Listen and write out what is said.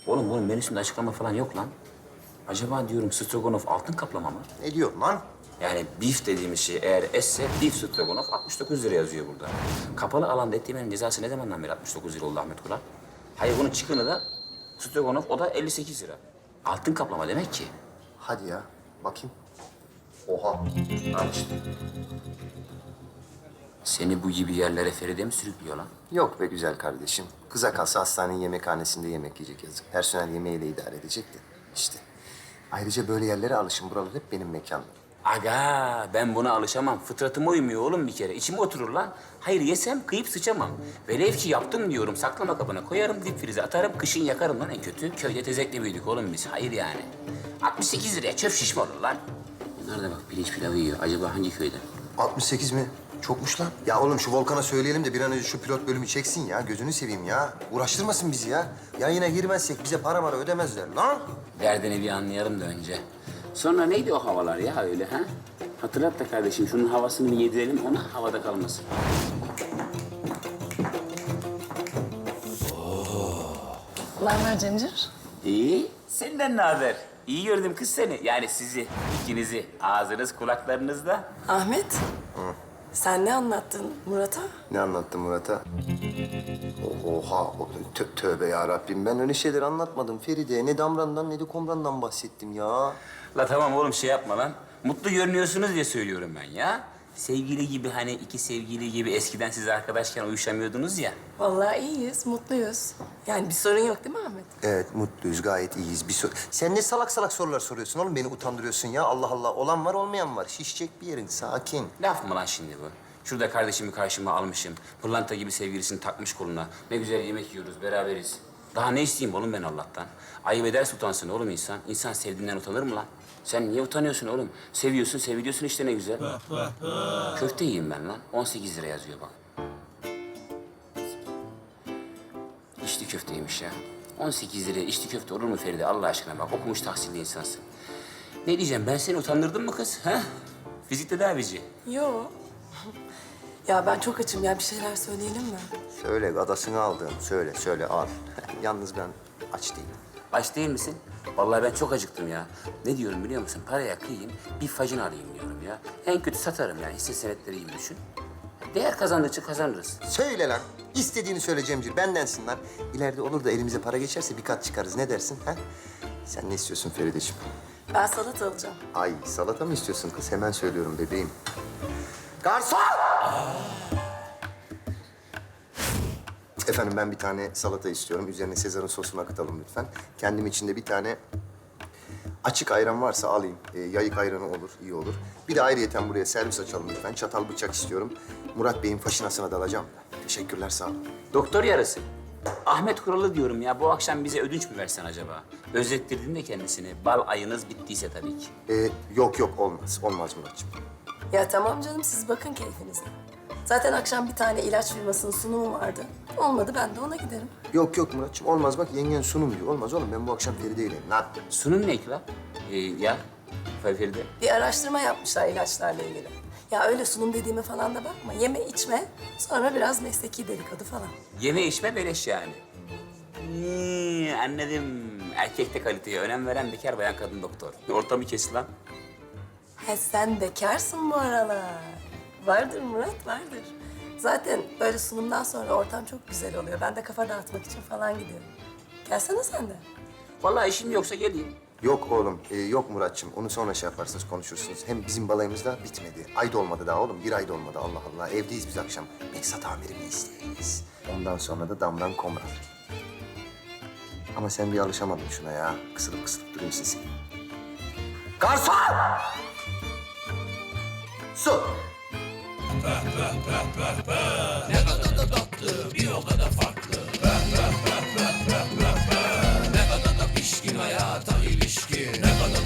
Oğlum bunun menüsünde açıklama falan yok lan. Acaba diyorum stroganoff altın kaplama mı? Ne diyorsun lan? Yani beef dediğimiz şey eğer esse beef stroganoff 69 lira yazıyor burada. Kapalı alanda et yemenin cezası ne zamandan beri 69 lira oldu Ahmet Kural? Hayır bunun çıkını da stroganoff o da 58 lira. Altın kaplama demek ki. Hadi ya, bakayım. Oha. Al işte. Seni bu gibi yerlere Feride mi sürüklüyor lan? Yok be güzel kardeşim. Kıza kalsa hastanenin yemekhanesinde yemek yiyecek yazık. Personel yemeğiyle idare edecek de işte. Ayrıca böyle yerlere alışın. Buralar hep benim mekanım. Aga ben buna alışamam. Fıtratıma uymuyor oğlum bir kere. İçime oturur lan. Hayır yesem kıyıp sıçamam. Velev ki yaptım diyorum. Saklama kabına koyarım, dip frize atarım. Kışın yakarım lan en kötü. Köyde tezekle büyüdük oğlum biz. Hayır yani. 68 liraya çöp şişme olur lan. Bunlar da bak pirinç pilavı yiyor. Acaba hangi köyden? 68 mi? Çokmuş lan. Ya oğlum şu Volkan'a söyleyelim de bir an önce şu pilot bölümü çeksin ya. Gözünü seveyim ya. Uğraştırmasın bizi ya. Yayına girmezsek bize para mara ödemezler lan. Derdini bir anlayalım da önce. Sonra neydi o havalar ya öyle ha? Hatırlat da kardeşim şunun havasını bir yedirelim ona havada kalmasın. Mermer Cemcir. İyi. Senden ne haber? İyi gördüm kız seni. Yani sizi, ikinizi. Ağzınız kulaklarınızda. Ahmet. Sen ne anlattın Murat'a? Ne anlattın Murat'a? Oha, tövbe ya Rabbim. Ben öyle şeyler anlatmadım Feride. Ne Damran'dan ne de Komran'dan bahsettim ya. La tamam oğlum şey yapma lan. Mutlu görünüyorsunuz diye söylüyorum ben ya. Sevgili gibi hani iki sevgili gibi eskiden siz arkadaşken uyuşamıyordunuz ya. Vallahi iyiyiz, mutluyuz. Yani bir sorun yok değil mi Ahmet? Evet, mutluyuz, gayet iyiyiz. Sen ne salak salak sorular soruyorsun oğlum? Beni utandırıyorsun ya. Allah Allah. Olan var, olmayan var. Şişecek bir yerin. Sakin. Laf mı lan şimdi bu? Şurada kardeşimi karşıma almışım. Pırlanta gibi sevgilisini takmış koluna. Ne güzel yemek yiyoruz, beraberiz. Daha ne isteyeyim oğlum ben Allah'tan? Ayıp ederse utansın oğlum insan. İnsan sevdiğinden utanır mı lan? Sen niye utanıyorsun oğlum? Seviyorsun, seviliyorsun işte ne güzel. Köfte yiyeyim ben lan. 18 lira yazıyor bak. İçli köfteymiş ya. 18 liraya içli köfte olur mu Feride Allah aşkına bak. Okumuş tahsilli insansın. Ne diyeceğim ben seni utandırdım mı kız? Ha? Fizik tedavici. Yo. Ya ben çok açım ya, bir şeyler söyleyelim mi? Söyle, gadasını aldın. Söyle, al. Yalnız ben aç değilim. Aç değil misin? Vallahi ben çok acıktım ya. Ne diyorum biliyor musun? Paraya kıyayım, bir facın alayım diyorum ya. En kötü satarım yani hisse senetleri gibi düşün. Değer kazandıkça kazanırız. Söyle lan. İstediğini söyle Cemcir. Bendensin lan. İleride olur da elimize para geçerse bir kat çıkarız. Ne dersin ha? Sen ne istiyorsun Feride'ciğim? Ben salata alacağım. Ay salata mı istiyorsun kız? Hemen söylüyorum bebeğim. Garson! Efendim ben bir tane salata istiyorum. Üzerine Sezar'ın sosunu akıtalım lütfen. Kendim için de bir tane açık ayran varsa alayım. Yayık ayranı olur, iyi olur. Bir de ayrıyeten buraya servis açalım lütfen. Çatal bıçak istiyorum. Murat Bey'in faşinasına dalacağım. Teşekkürler, sağ olun. Doktor yarısı. Ahmet Kuralı diyorum ya. Bu akşam bize ödünç mü versen acaba? Özlettirdin de kendisini. Bal ayınız bittiyse tabii ki. Yok olmaz. Olmaz Muratcığım. Ya tamam canım, siz bakın keyfinize. Zaten akşam bir tane ilaç firmasının sunumu vardı. Olmadı ben de ona giderim. Yok Muratcığım olmaz. Bak yengen sunum diyor. Olmaz oğlum ben bu akşam Feride'yle. Lan. Sunum ne ki lan? Ya Feride. Bir araştırma yapmışlar ilaçlarla ilgili. Ya öyle sunum dediğime falan da bakma. Yeme içme, sonra biraz mesleki dedikodu falan. Yeme içme beleş yani. Anladım. Erkekte kaliteye önem veren bekar bayan kadın doktor. Ortamı kes lan. He sen bekarsın bu aralar. Vardır Murat, vardır. Zaten böyle sunumdan sonra ortam çok güzel oluyor. Ben de kafa dağıtmak için falan gidiyorum. Gelsene sen de. Vallahi işim yoksa geleyim. Yok oğlum, yok Muratcığım. Onu sonra şey yaparsınız, konuşursunuz. Hem bizim balayımız da bitmedi. Ay da olmadı daha oğlum. Bir ay da olmadı Allah Allah. Evdeyiz biz akşam. Behzat amirimi izleyeceğiz. Ondan sonra da Damran Komran. Ama sen bir alışamadın şuna ya. Kısılıp durayım sesi. Garson! Su!